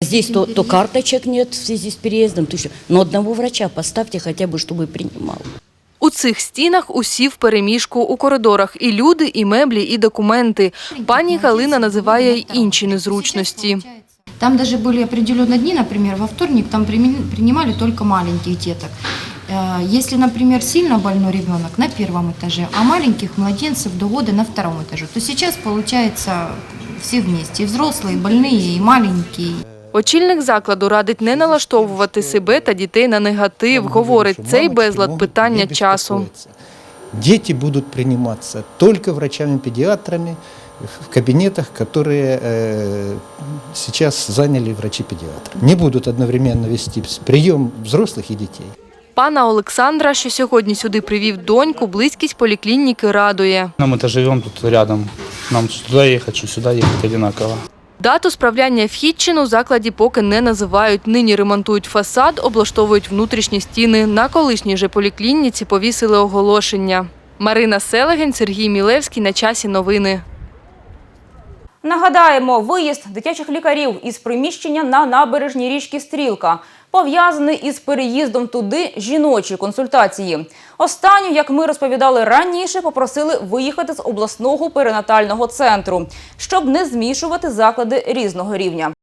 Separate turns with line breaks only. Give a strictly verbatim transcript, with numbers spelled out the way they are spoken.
здесь то, то карточек нет в связи с переездом, то еще. Но одного врача поставьте хотя бы, чтобы принимал.
У цих стінах усі впереміжку, у коридорах і люди, і меблі, і документи. Пані Галина називає й інші незручності.
Там даже были определенные дни, например, во вторник там принимали только маленьких деток. Если, например, сильно больной ребенок на первом этаже, а маленьких младенцев до года на втором этаже, то сейчас получается все вместе, и взрослые, и больные, и маленькие.
Очільник закладу радить не налаштовувати себе та дітей на негатив. Говорить, цей безлад – питання часу.
Діти будуть прийматися тільки врачами-педіатрами в кабінетах, які зараз зайняли врачі-педіатри. Не будуть одновременно вести прийом взрослих і дітей.
Пана Олександра, що сьогодні сюди привів доньку, близькість поліклініки радує.
Ми тут живемо тут рядом. Нам туди їхати, що сюди їхати однаково.
Дату справляння вхідчин у закладі поки не називають. Нині ремонтують фасад, облаштовують внутрішні стіни. На колишній же поліклініці повісили оголошення. Марина Селегень, Сергій Мілевський. На часі новини.
Нагадаємо, виїзд дитячих лікарів із приміщення на набережній річки Стрілка пов'язаний із переїздом туди жіночі консультації. Останню, як ми розповідали раніше, попросили виїхати з обласного перинатального центру, щоб не змішувати заклади різного рівня.